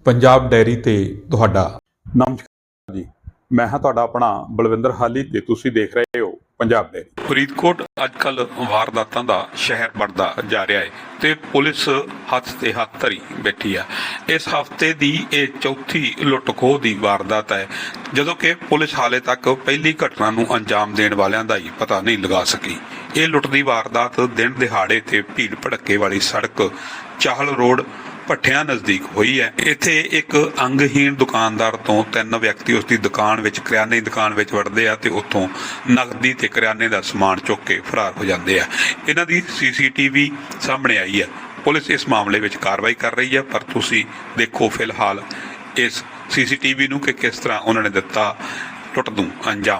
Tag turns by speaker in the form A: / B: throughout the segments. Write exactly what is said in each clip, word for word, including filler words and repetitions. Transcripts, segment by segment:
A: Punjab dairy ਤੇ ਤੁਹਾਡਾ ਨਮਸਕਾਰ ਜੀ। ਮੈਂ ਹਾਂ ਤੁਹਾਡਾ ਆਪਣਾ ਬਲਵਿੰਦਰ ਹਾਲੀ ਤੇ ਤੁਸੀਂ ਦੇਖ ਰਹੇ ਹੋ ਪੰਜਾਬ ਡੈਰੀ। ਫਰੀਦਕੋਟ ਅੱਜ ਕੱਲ੍ਹ ਵਾਰਦਾਤਾਂ ਦਾ ਸ਼ਹਿਰ ਬਣਦਾ ਜਾ ਰਿਹਾ ਹੈ ਤੇ ਪੁਲਿਸ ਹੱਥ ਤੇ ਹੱਥ ਧਰੀ ਬੈਠੀ ਆ। ਇਸ ਹਫ਼ਤੇ ਦੀ ਇਹ ਚੌਥੀ ਲੁੱਟ ਖੋਹ ਦੀ ਵਾਰਦਾਤ ਹੈ, ਜਦੋਂ ਕਿ ਪੁਲਿਸ ਹਾਲੇ ਤੱਕ ਪਹਿਲੀ ਘਟਨਾ ਨੂੰ ਅੰਜਾਮ ਦੇਣ ਵਾਲਿਆਂ ਦਾ ਹੀ ਪਤਾ ਨਹੀਂ ਲਗਾ ਸਕੀ। ਇਹ ਲੁੱਟ ਦੀ ਵਾਰਦਾਤ ਦਿਨ ਦਿਹਾੜੇ ਤੇ ਭੀੜ ਭੜੱਕੇ ਵਾਲੀ ਸੜਕ ਚਾਹਲ ਰੋਡ ਭੱਠਿਆਂ ਨਜ਼ਦੀਕ ਹੋਈ ਹੈ। ਇੱਥੇ ਇੱਕ ਅੰਗਹੀਣ ਦੁਕਾਨਦਾਰ ਤੋਂ ਤਿੰਨ ਵਿਅਕਤੀ ਉਸ ਦੀ ਦੁਕਾਨ ਵਿੱਚ ਕਰਿਆਨੇ ਦੀ ਦੁਕਾਨ ਵਿੱਚ ਵੜਦੇ ਆ ਤੇ ਉੱਥੋਂ ਨਕਦੀ ਤੇ ਕਰਿਆਨੇ ਦਾ ਸਮਾਨ ਚੁੱਕ ਕੇ ਫਰਾਰ ਹੋ ਜਾਂਦੇ ਆ। ਇਹਨਾਂ ਦੀ ਸੀ ਸੀ ਟੀ ਵੀ ਸਾਹਮਣੇ ਆਈ ਹੈ। ਪੁਲਿਸ ਇਸ ਮਾਮਲੇ ਵਿੱਚ ਕਾਰਵਾਈ ਕਰ ਰਹੀ ਹੈ, ਪਰ ਤੁਸੀਂ ਦੇਖੋ ਫਿਲਹਾਲ ਇਸ ਸੀ ਸੀ ਟੀ ਵੀ ਨੂੰ ਕਿ ਕਿਸ ਤਰ੍ਹਾਂ ਉਹਨਾਂ ਨੇ ਦਿੱਤਾ ਲੁੱਟ ਨੂੰ ਅੰਜਾਮ।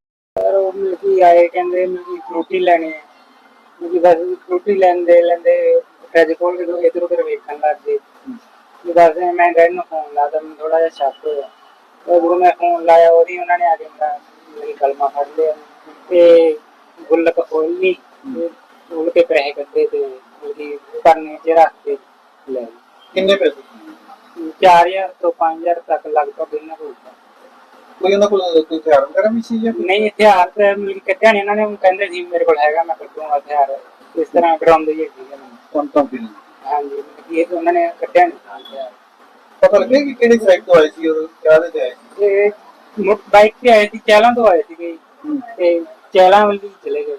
B: ਆਏ ਕਹਿੰਦੇ ਮੇਰੀ ਫਰੂਟੀ ਲੈਣੀ ਹੈ, ਮੇਰੀ ਬਸ ਫਰੂਟੀ ਲੈਂਦੇ ਲੈਂਦੇ ਫਰਿੱਜ ਖੋਲ ਕੇ ਇੱਧਰ ਉੱਧਰ ਵੇਖਣ ਲੱਗ ਗਏ। ਬਸ ਮੈਂ ਡੈਡੀ ਨੂੰ ਫੋਨ ਲਾਇਆ, ਮੈਨੂੰ ਥੋੜਾ ਜਿਹਾ ਸ਼ੱਕ ਹੋਇਆ। ਜਦੋਂ ਮੈਂ ਫੋਨ ਲਾਇਆ ਉਹਦੀ ਉਹਨਾਂ ਨੇ ਆ ਕੇ ਮੇਰਾ ਮੇਰੀ ਕਲਮਾ ਫੜ ਲਿਆ ਤੇ ਗੁੱਲਕ ਖੋਲੀ ਤੇ ਖੋਲ ਕੇ ਪੈਸੇ ਕੱਢੇ ਤੇ ਉਹਦੀ ਕਰਨੇ ਚ ਰੱਖ ਕੇ ਲੈ ਗਏ।
C: ਕਿੰਨੇ ਪੈਸੇ?
B: ਚਾਰ ਹਜ਼ਾਰ ਤੋਂ ਪੰਜ ਹਜ਼ਾਰ ਤੱਕ ਲਗਭਗ ਇਹਨਾਂ ਕੋਲ
C: ਕੋਈ ਉਹਨਾਂ ਕੋਲ ਕੋਈ ਹਥਿਆਰ ਵਗੈਰਾ ਵੀ ਸੀ ਜਾਂ
B: ਨਹੀਂ? ਹਥਿਆਰ ਤਾਂ ਮਿਲ ਕੱਢਿਆ ਨਹੀਂ ਇਹਨਾਂ ਨੇ, ਕਹਿੰਦੇ ਸੀ ਮੇਰੇ ਕੋਲ ਹੈਗਾ ਮੈਂ ਕੱਢੂੰਗਾ ਹਥਿਆਰ, ਇਸ ਤਰ੍ਹਾਂ ਡਰਾਉਂਦੇ ਹੀ ਹੈਗੇ।
C: ਕੌਣ ਕੌਣ ਸੀ?
B: ਹਾਂਜੀ, ਇਹ ਉਹਨਾਂ ਨੇ ਕੱਢਿਆ ਨਹੀਂ ਹਥਿਆਰ।
C: ਪਤਾ ਲੱਗਿਆ ਕਿ ਕਿਹੜੀ ਸਾਈਡ ਤੋਂ ਆਏ ਸੀ ਔਰ ਕਿਹਦੇ ਤੇ ਆਏ ਸੀ?
B: ਇਹ ਬਾਈਕ ਤੇ ਆਏ ਸੀ, ਚਹਿਲਾਂ ਤੋਂ ਆਏ ਸੀਗੇ ਤੇ ਚਹਿਲਾਂ ਵੱਲ ਚਲੇ ਗਏ।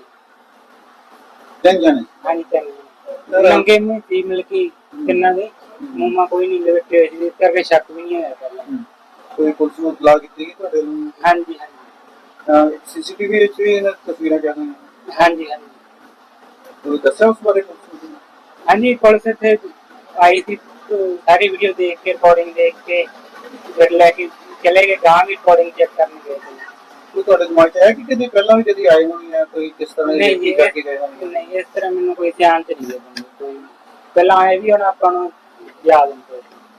C: ਤਿੰਨ ਜਾਣੇ?
B: ਹਾਂਜੀ ਤਿੰਨ ਲੰਗੇ ਮੂੰਹ ਸੀ, ਮਿਲ ਕੇ ਤਿੰਨਾਂ ਦੇ ਮੂੰਹਾਂ ਕੋਈ ਨਹੀਂ ਲਪੇਟੇ ਹੋਏ ਸੀ, ਇਸ ਕਰਕੇ ਸ਼ੱਕ ਵੀ ਨਹੀਂ ਹੋਇਆ ਪਹਿਲਾਂ।
C: ਕੋਈ ਪੁਲਿਸ ਨੂੰ ਇਤਲਾਹ ਕੀਤੀ ਗਈ ਤੁਹਾਡੇ ਨੂੰ?
B: ਹਾਂਜੀ ਹਾਂਜੀ
C: ਸੀ ਸੀ ਟੀ ਵੀ ਵਿੱਚ ਵੀ ਇਹਨਾਂ ਤਸਵੀਰਾਂ ਕਿਆ ਹੋਈਆਂ?
B: ਹਾਂਜੀ ਹਾਂਜੀ
C: ਤੁਸੀਂ ਦੱਸਿਆ ਉਸ ਬਾਰੇ ਕੁਝ?
B: ਹਾਂਜੀ, ਪੁਲਿਸ ਇੱਥੇ ਆਈ ਸੀ, ਸਾਰੀ ਵੀਡੀਓ ਦੇਖ ਕੇ ਰਿਕਾਰਡਿੰਗ ਦੇਖ ਕੇ ਫਿਰ ਲੈ ਕੇ ਚਲੇ ਗਏ। ਗਾਂ ਵੀ ਰਿਕਾਰਡਿੰਗ ਚੈੱਕ ਕਰਨ ਗਏ।
C: ਕੋਈ ਤੁਹਾਡੇ ਦਿਮਾਗ 'ਚ ਹੈ ਕਿ ਕਦੇ ਪਹਿਲਾਂ ਵੀ ਕਦੀ ਆਏ ਹੋਣ ਜਾਂ ਕੋਈ ਕਿਸ ਤਰ੍ਹਾਂ
B: ਨਹੀਂ ਜੀ,
C: ਕਰਕੇ ਗਏ ਹੋਣ?
B: ਨਹੀਂ ਇਸ ਤਰ੍ਹਾਂ ਮੈਨੂੰ ਕੋਈ ਧਿਆਨ ਚ ਨਹੀਂ ਹੈ। ਕੋਈ ਪਹਿਲਾਂ ਆਏ ਵੀ ਹੁਣ ਆਪਾਂ ਨੂੰ ਯਾਦ ਨਹੀਂ।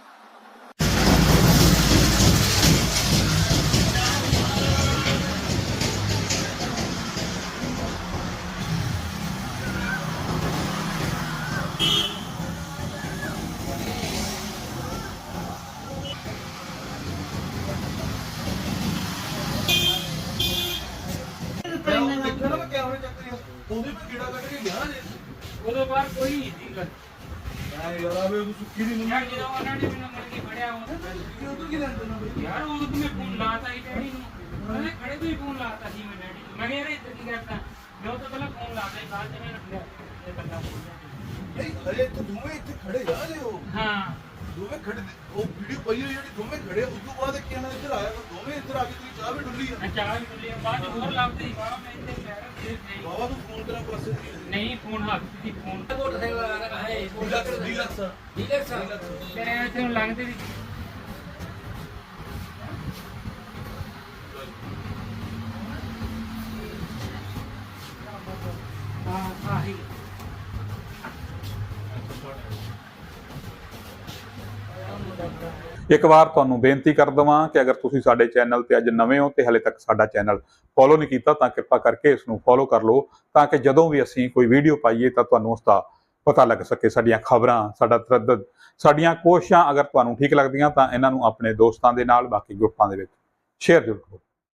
B: ਉਦੋਂ ਬਾਅਦ ਕੋਈ ਨਹੀਂ ਸੀ ਗੱਲ ਯਾਰ। ਆਵੇ ਉਹ ਸੁੱਕੀ ਨਹੀਂ ਮੁੰਡਾ ਜਦੋਂ ਉਹਨਾਂ ਨੇ ਮੈਨੂੰ ਮੁੜ ਕੇ ਫੜਿਆ ਉਹ ਉਦੋਂ ਕੀ ਲੈਂਦੇ ਨੇ ਯਾਰ। ਉਦੋਂ ਮੈਂ ਫੋਨ ਲਾਤਾ ਸੀ ਡੈਡੀ ਨੂੰ, ਉਹਨੇ ਖੜੇ ਤੋਂ ਹੀ ਫੋਨ ਲਾਤਾ ਸੀ ਮੈਂ ਡੈਡੀ ਨੂੰ। ਮੈਂ ਕਿਹਾ ਯਾਰ ਇੱਧਰ ਕੀ ਕਰਦਾ, ਜੋ ਤੋਂ ਪਹਿਲਾਂ ਫੋਨ ਲਾਤਾ ਸੀ ਬਾਅਦ ਚ ਮੈਂ ਰੱਖਿਆ ਇਹ ਬੰਦਾ
D: ਨਹੀਂ ਹਲੇ ਤਾਂ ਦੋਵੇਂ ਇੱਥੇ ਖੜੇ ਆ ਜੇ ਉਹ
B: ਹਾਂ
D: ਦੋਵੇਂ ਖੜੇ ਉਹ ਵੀਡੀਓ ਪਈ ਹੋਈ ਜਿਹੜੀ ਦੋਵੇਂ ਖੜੇ ਉਸ ਤੋਂ ਬਾਅਦ ਕਿ ਇਹਨਾਂ ਇੱਧਰ ਆਇਆ ਤਾਂ ਦੋਵੇਂ ਇੱਧਰ ਆ ਕੇ ਤੁਸੀਂ ਚਾਹ ਵੀ ਡੁੱਲੀ ਆ।
B: ਮੈਂ ਚਾਹ ਵੀ ਡੁੱਲੀ ਆ, ਬਾਅਦ ਚ ਹੋਰ ਲੱਭਦੇ ਸੀ ਬਾਹਰ। ਮੈਂ ਇੱਥੇ ਬੈਠਾ ਸੀ
D: ਬਾਬਾ ਨੂੰ ਫੋਨ ਕਰਾਂ ਪਾਸੇ
B: ਨਹੀਂ ਫੋਨ ਹੱਥ ਸੀ ਫੋਨ
D: ਡੀਲਕਸ
B: ਤੇਰੇ ਇੱਥੇ ਨੂੰ ਲੱਗਦੇ ਵੀ ਹਾਂ ਆਹੀ
A: ਇੱਕ ਵਾਰ ਤੁਹਾਨੂੰ ਬੇਨਤੀ ਕਰ ਦਵਾਂ ਕਿ ਅਗਰ ਤੁਸੀਂ ਸਾਡੇ ਚੈਨਲ ਤੇ ਅੱਜ ਨਵੇਂ ਹੋ ਤੇ ਹਲੇ ਤੱਕ ਸਾਡਾ ਚੈਨਲ ਫੋਲੋ ਨਹੀਂ ਕੀਤਾ ਤਾਂ ਕਿਰਪਾ ਕਰਕੇ ਇਸ ਨੂੰ ਫੋਲੋ ਕਰ ਲਓ, ਤਾਂ ਕਿ ਜਦੋਂ ਵੀ ਅਸੀਂ ਕੋਈ ਵੀਡੀਓ ਪਾਈਏ ਤਾਂ ਤੁਹਾਨੂੰ ਉਸ ਦਾ ਪਤਾ ਲੱਗ ਸਕੇ। ਸਾਡੀਆਂ ਖਬਰਾਂ, ਸਾਡਾ ਤਰੱਦਦ, ਸਾਡੀਆਂ ਕੋਸ਼ਿਸ਼ਾਂ ਅਗਰ ਤੁਹਾਨੂੰ ਠੀਕ ਲੱਗਦੀਆਂ ਤਾਂ ਇਹਨਾਂ ਨੂੰ ਆਪਣੇ ਦੋਸਤਾਂ ਦੇ ਨਾਲ, ਬਾਕੀ ਗਰੁੱਪਾਂ ਦੇ ਵਿੱਚ ਸ਼ੇਅਰ ਜ਼ਰੂਰ ਕਰੋ।